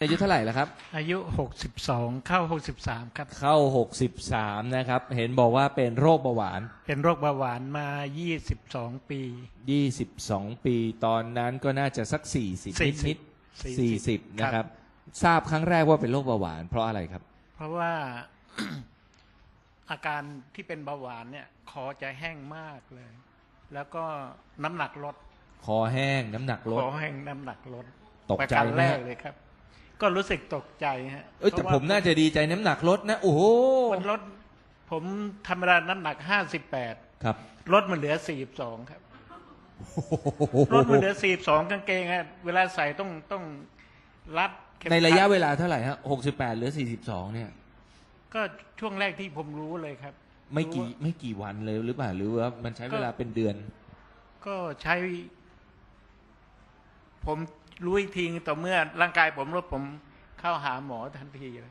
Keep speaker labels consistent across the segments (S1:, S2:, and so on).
S1: อายุเท่าไหร่แล้วครับ
S2: อายุ62เข้า63ครับ
S1: เข้า63นะครับเห็นบอกว่าเป็นโรคเบาหวาน
S2: เป็นโรคเบาหวานมา22ปี
S1: 22ปีตอนนั้นก็น่าจะสัก40นิดๆ40นะค
S2: ครั
S1: รับบ ทราบครั้งแรกว่าเป็นโรคเบาหวานเพราะอะไรครับ
S2: เพราะว่า อาการที่เป็นเบาหวานเนี่ยคอจะแห้งมากเลย แล้วก็น้ำหนักลด
S1: คอแห้งน้ำหนักลด
S2: คอแห้งน้ำหนักลด
S1: ตกใจไหม
S2: แรกเลยครับ ก็รู้สึกตกใจฮะ
S1: แต่ผมน่าจะดีใจน้ำหนักลดนะโอ้โห
S2: มันลดผมธรรมดาน้ำหนัก58
S1: ครับ
S2: ลดมันเหลือ42ครับลดมันเหลือ42กางเกงฮะเวลาใส่ต้องรัด
S1: ในระยะเวลาเท่าไหร่ฮะ68เหลือ42เนี่ย
S2: ก็ช่วงแรกที่ผมรู้เลยครับ
S1: ไม่กี่วันเลยหรือเปล่าหรือว่ามันใช้เวลาเป็นเดือน
S2: ก็ใช้ผมรู้อีกทีต่อเมื่อร่างกายผมลดผมเข้าหาหมอทันทีเลย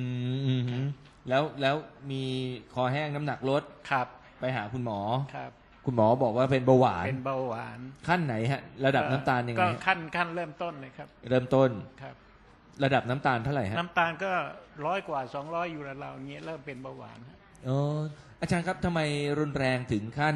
S1: แล้วมีคอแห้งน้ำหนักลด
S2: ครับ
S1: ไปหาคุณหมอ
S2: ครับ
S1: คุณหมอบอกว่าเป็นเบาหวาน
S2: เป็นเบาหวาน
S1: ขั้นไหนฮะระดับน้ำตาลยังไง
S2: ก็ขั้นเริ่มต้นเลยครับ
S1: เริ่มต้น
S2: ครับ
S1: ระดับน้ำตาลเท่าไหร่ฮะ
S2: น้ำตาลก็100 กว่า200อยู่ราวๆเงี้ยเริ่มเป็นเบาหวาน
S1: อ๋ออาจารย์ครับทำไมรุนแรงถึงขั้น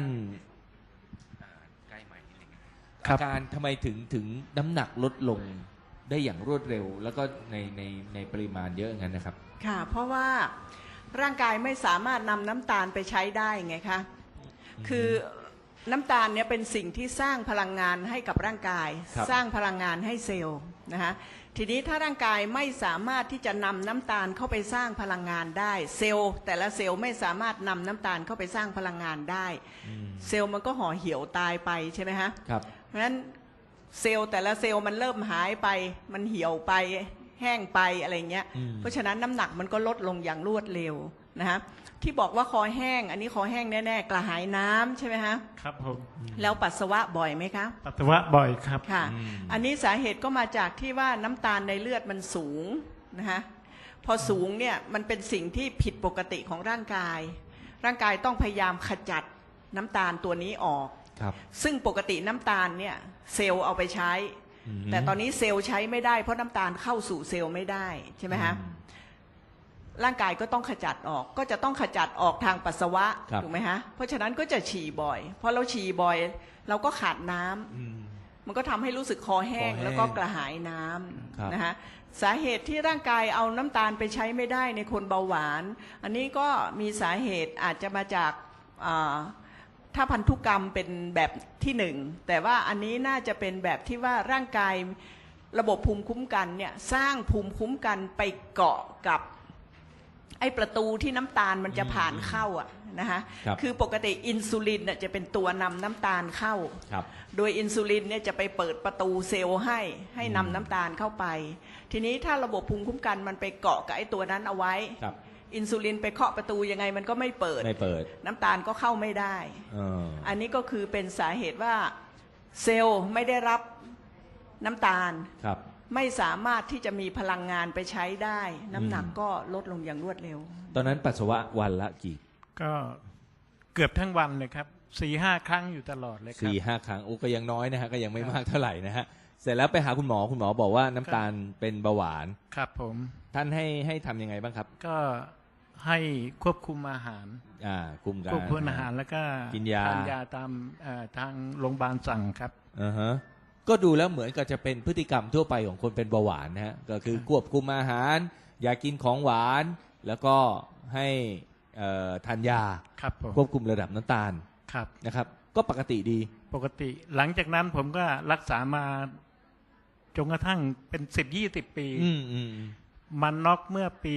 S1: อาการทำไมถึงน้ำหนักลดลงได้อย่างรวดเร็วแล้วก็ในปริมาณเยอะงั้นนะครับ
S3: ค่ะเพราะว่าร่างกายไม่สามารถนำน้ำตาลไปใช้ได้ไงคะคือน้ำตาลเนี่ยเป็นสิ่งที่สร้างพลังงานให้กับร่างกายสร้างพลังงานให้เซลล์นะคะทีนี้ถ้าร่างกายไม่สามารถที่จะนำน้ำตาลเข้าไปสร้างพลังงานได้เซลล์แต่ละเซลล์ไม่สามารถนำน้ำตาลเข้าไปสร้างพลังงานได้เซลล์มันก็ห่อเหี่ยวตายไปใช่ไหมฮะเพราะฉะนั้นเซลล์แต่ละเซลล์มันเริ่มหายไปมันเหี่ยวไปแห้งไปอะไรเงี้ยเพราะฉะนั้นน้ำหนักมันก็ลดลงอย่างรวดเร็วนะฮะที่บอกว่าคอแห้งอันนี้คอแห้งแน่ๆกระหายน้ำใช่ไหมฮะ
S2: ครับผม
S3: แล้วปัสสาวะบ่อยไหมคะ
S2: ปัสสาวะบ่อยครับ
S3: ค่ะอันนี้สาเหตุก็มาจากที่ว่าน้ำตาลในเลือดมันสูงนะคะพอสูงเนี่ยมันเป็นสิ่งที่ผิดปกติของร่างกายร่างกายต้องพยายามขจัดน้ำตาลตัวนี้ออกซึ่งปกติน้ำตาลเนี่ยเซลล์เอาไปใช้แต่ตอนนี้เซลล์ใช้ไม่ได้เพราะน้ำตาลเข้าสู่เซลล์ไม่ได้ใช่ไหมฮะร่างกายก็ต้องขจัดออกก็จะต้องขจัดออกทางปัสสาวะถูกไหมฮะเพราะฉะนั้นก็จะฉี่บ่อยพอเราฉี่บ่อยเราก็ขาดน้ำมันก็ทำให้รู้สึกคอแห้งแล้วก็กระหายน้ำนะฮะสาเหตุที่ร่างกายเอาน้ำตาลไปใช้ไม่ได้ในคนเบาหวานอันนี้ก็มีสาเหตุอาจจะมาจากถ้าพันธุกรรมเป็นแบบที่หนึ่งแต่ว่าอันนี้น่าจะเป็นแบบที่ว่าร่างกายระบบภูมิคุ้มกันเนี่ยสร้างภูมิคุ้มกันไปเกาะกับไอ้ประตูที่น้ำตาลมันจะผ่านเข้าอ่ะนะคะคือปกติอินซูลินเนี่ยจะเป็นตัวนำน้ำตาลเข้าโดยอินซูลินเนี่ยจะไปเปิดประตูเซลล์ให้นำน้ำตาลเข้าไปทีนี้ถ้าระบบภูมิคุ้มกันมันไปเกาะกับไอ้ตัวนั้นเอาไว้อินซูลินไปเคาะประตูยังไงมันก็ไม่เปิดน้ำตาลก็เข้าไม่ได้อันนี้ก็คือเป็นสาเหตุว่าเซลล์ไม่ได้รับน้ำตาลไม่สามารถที่จะมีพลังงานไปใช้ได้น้ำหนักก็ลดลงอย่างรวดเร็ว
S1: ตอนนั้นปัสสาวะวันละกี่
S2: ก็เกือบทั้งวันเลยครับ 4-5 ครั้งอยู่ตลอดเลยครับ
S1: 4-5 ครั้งก็ยังน้อยนะฮะก็ยังไม่มากเท่าไหร่นะฮะเสร็จแล้วไปหาคุณหมอบอกว่าน้ำตาลเป็นเบาหวาน
S2: ครับผม
S1: ท่านให้ทำยังไงบ้างครับ
S2: ก็ให้ควบคุมอาหาร
S1: ควบ
S2: คุมอาหารแล้วก็
S1: กินยา
S2: ทานยาตามทางโรงพยาบาลสั่งครับ
S1: ก็ดูแล้วเหมือนกับจะเป็นพฤติกรรมทั่วไปของคนเป็นเบาหวานนะฮะก็คือควบคุมอาหารอย่ากินของหวานแล้วก็ให้ทานยาควบคุมระดับน้ำตาลนะครับก็ปกติดี
S2: ปกติหลังจากนั้นผมก็รักษามาจนกระทั่งเป็น10-20 ปีมันน็อกเมื่อปี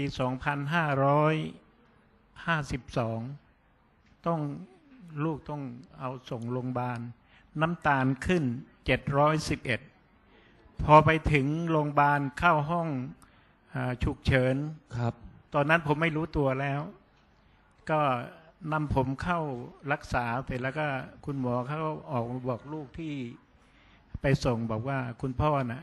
S2: 2552ต้องลูกต้องเอาส่งโรงพยาบาลน้ำตาลขึ้น711พอไปถึงโรงพยาบาลเข้าห้องฉุกเฉิน
S1: ครับ
S2: ตอนนั้นผมไม่รู้ตัวแล้วก็นำผมเข้ารักษาเสร็จแล้วก็คุณหมอเขาออกมาบอกลูกที่ไปส่งบอกว่าคุณพ่อน่ะ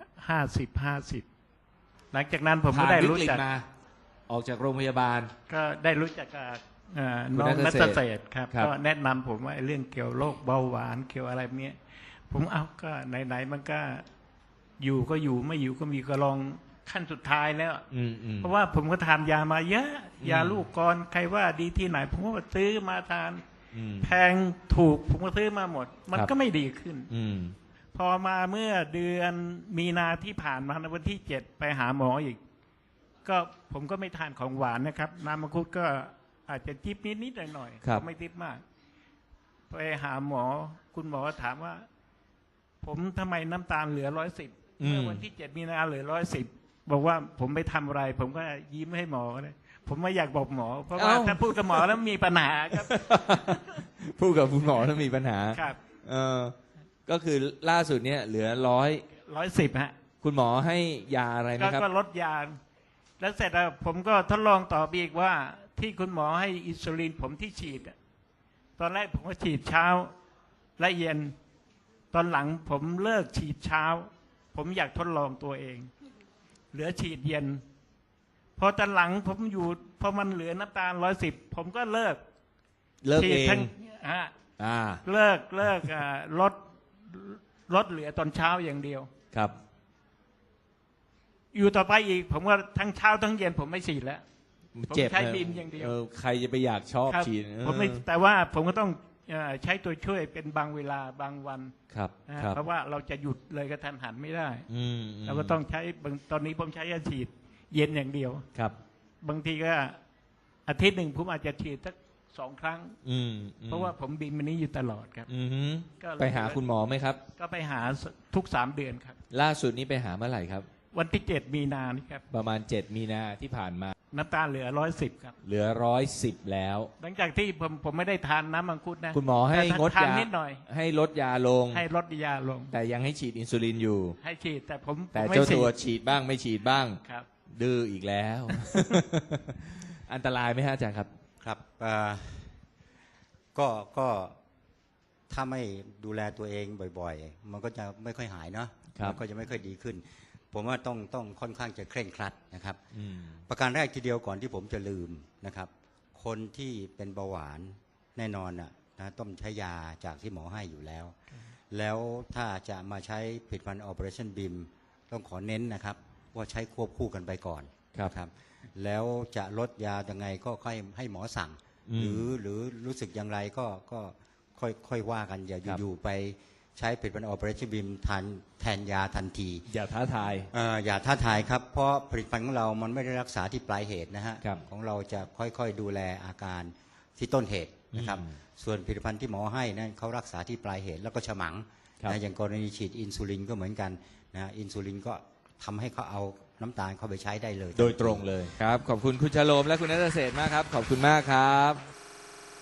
S2: 50หลังจากนั้นผมก็ได้รู้จัก
S1: ออกจากโรงพยาบาล
S2: ก็ได้รู้จักกับน้องนัทเศรษฐ์ครับก็แนะนำผมว่าเรื่องเกี่ยวโรคเบาหวานเกี่ยวอะไรเนี้ยผมเอาก็ไหนๆมันก็อยู่ก็อยู่ไม่อยู่ก็มีก็ลองขั้นสุดท้ายแล้ว
S1: อืม
S2: เพราะว่าผมก็ทานยามาเยอะยาลูกกรใครว่าดีที่ไหน ผมก็ซื้อมาทานแพงถูกผมก็ซื้อมาหมด มันก็ไม่ดีขึ้นพอมาเมื่อเดือนมีนาที่ผ่านมาในวันที่7ไปหาหมออีก ก็ผมก็ไม่ทานของหวานนะครับน้ำมังคุดก็อาจจะจิบนิดๆหน่อยๆก็ไม่จิบมากไปหาหมอคุณหมอถามว่า ผมทำไมน้ำตาลเหลือ110เมื่อวันที่7มีนาเหลือ110บอกว่าผมไปทำอะไร ผมก็ยิ้มให้หมอเลยผมไม่อยากบอกหมอ เพราะว่าถ้าพูดกับหมอแล้วมีปัญหาครับ
S1: พูดกับคุณหมอแล้วมีปัญหา
S2: ครับ
S1: ก็คือล่าสุดเนี่ยเหลือ
S2: 110ฮะ
S1: คุณหมอให้ยาอะไรนะครับ
S2: ก็ลดยาแล้วเสร็จแล้วผมก็ทดลองต่อไปอีกว่าที่คุณหมอให้อินซูลินผมที่ฉีดตอนแรกผมก็ฉีดเช้าและเย็นตอนหลังผมเลิกฉีดเช้าผมอยากทดลองตัวเองเหลือฉีดเย็นพอตอนหลังผมอยู่พอมันเหลือน้ำตาล110ผมก็เลิก
S1: ฉีดทั้ง
S2: เลิกลดเหลือตอนเช้าอย่างเดียว
S1: ครับ
S2: อยู่ต่อไปอีกผมว่าทั้งเช้าทั้งเย็นผมไม่ฉีดแล้วผมใช้บิมอย่างเดียว
S1: ใครจะไปอยากชอบฉีด
S2: ผมไม่แต่ว่าผมก็ต้องใช้ตัวช่วยเป็นบางเวลาบางวัน
S1: ครับ
S2: เพราะว่าเราจะหยุดเลยกระทันหันไม่ได้เราก็ต้องใช้ตอนนี้ผมใช้ยาฉีดเย็นอย่างเดียว
S1: ครับ
S2: บางทีก็อาทิตย์หนึ่งผมอาจจะฉีดสัก2 ครั้งเพราะว่าผมบิมมันนี้อยู่ตลอดครับ
S1: ไปหาคุณหมอไหมครับ
S2: ก็ไปหาทุก3 เดือนครับ
S1: ล่าสุดนี้ไปหาเมื่อไหร่ครับ
S2: วันที่7มีนานี่ครับ
S1: ประมาณ7มีนาที่ผ่านมา
S2: น้ำตาลเหลือ110ครับ
S1: เหลือ110แล้ว
S2: หลังจากที่ผมไม่ได้ทานน้ำมังคุดนะ
S1: คุณหมอให้งดยา
S2: นิดหน่อย
S1: ให้ลดยาลง
S2: ให้ลดยาลง
S1: แต่ยังให้ฉีดอินซูลินอยู่
S2: ให้ฉีดแต่
S1: แต่เจ้าตัวฉีดบ้างไม่ฉีดบ้าง
S2: ครับ
S1: ดื้ออีกแล้ว อันตรายไหมฮะอาจารย์ครับ
S4: ครับก็ถ้าไม่ดูแลตัวเองบ่อยๆมันก็จะไม่ค่อยหายเนาะมันก็จะไม่ค่อยดีขึ้นผมว่าต้องค่อนข้างจะเคร่งครัดนะครับประการแรกทีเดียวก่อนที่ผมจะลืมนะครับคนที่เป็นเบาหวานแน่นอนนะต้องใช้ยาจากที่หมอให้อยู่แล้วแล้วถ้าจะมาใช้ผลิตภัณฑ์ Operation BIM ต้องขอเน้นนะครับว่าใช้ควบคู่กันไปก่อนครับแล้วจะลดยายังไงก็ค่อยให้หมอสั่งหรือรู้สึกอย่างไรก็ค่อยว่ากันอย่าอยู่ๆไปใช้ผลิตภัณฑ์ Operation BIM แทนยาทันที
S1: อย่าท้าทาย
S4: อย่าท้าทายครับเพราะผลิตภัณฑ์ของเรามันไม่ได้รักษาที่ปลายเหตุนะฮะของเราจะค่อยๆดูแลอาการที่ต้นเหตุนะครับส่วนผลิตภัณฑ์ที่หมอให้นั้นเขารักษาที่ปลายเหตุแล้วก็ฉมังนะอย่างกรณีฉีดอินซูลินก็เหมือนกันนะอินซูลินก็ทำให้เขาเอาน้ำตาลเข้าไปใช้ได้เลย
S1: โดยตรงเลยครับขอบคุณคุณชโลมและคุณณัฐเศรษฐ์มากครับขอบคุณมากครับ